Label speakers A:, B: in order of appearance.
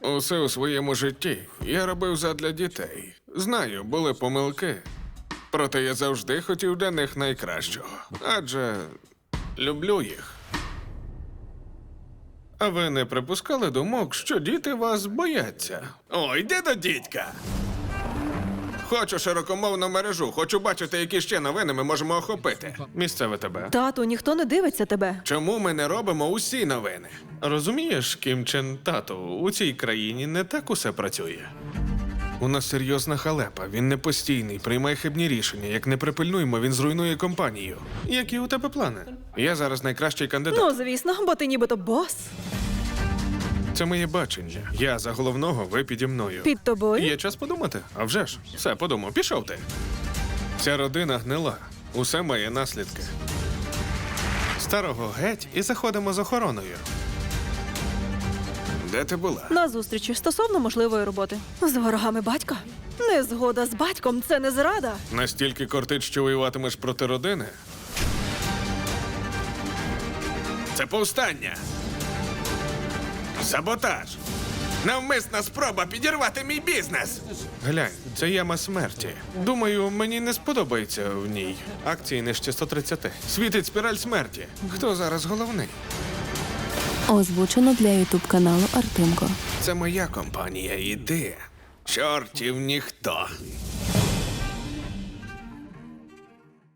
A: Усе у своєму житті я робив задля дітей. Знаю, були помилки. Проте я завжди хотів для них найкращого. Адже люблю їх. А ви не припускали думок, що діти вас бояться? О, йди до дідька! Хочу широкомовну мережу, хочу бачити, які ще новини ми можемо охопити. Місцеве тебе.
B: Тату, ніхто не дивиться тебе.
A: Чому ми не робимо усі новини? Розумієш, Кім Чен Тату, у цій країні не так усе працює. У нас серйозна халепа, він не постійний, приймає хибні рішення. Як не припильнуємо, він зруйнує компанію. Які у тебе плани? Я зараз найкращий кандидат.
B: Ну, звісно, бо ти нібито бос.
A: Це моє бачення. Я за головного, ви піді мною.
B: Під тобою?
A: Є час подумати? А вже ж. Все, подумав. Пішов ти. Ця родина гнила. Усе має наслідки. Старого геть і заходимо з охороною. Де ти була?
B: На зустрічі стосовно можливої роботи. З ворогами батька? Незгода з батьком – це не зрада.
A: Настільки кортить, що воюватимеш проти родини? Це повстання. Саботаж. Навмисна спроба підірвати мій бізнес. Глянь, це яма смерті. Думаю, мені не сподобається в ній. Акції нижче 130. Світить спіраль смерті. Хто зараз головний?
C: Озвучено для ютуб-каналу Артемко.
A: Це моя компанія. Іди. Чортів ніхто.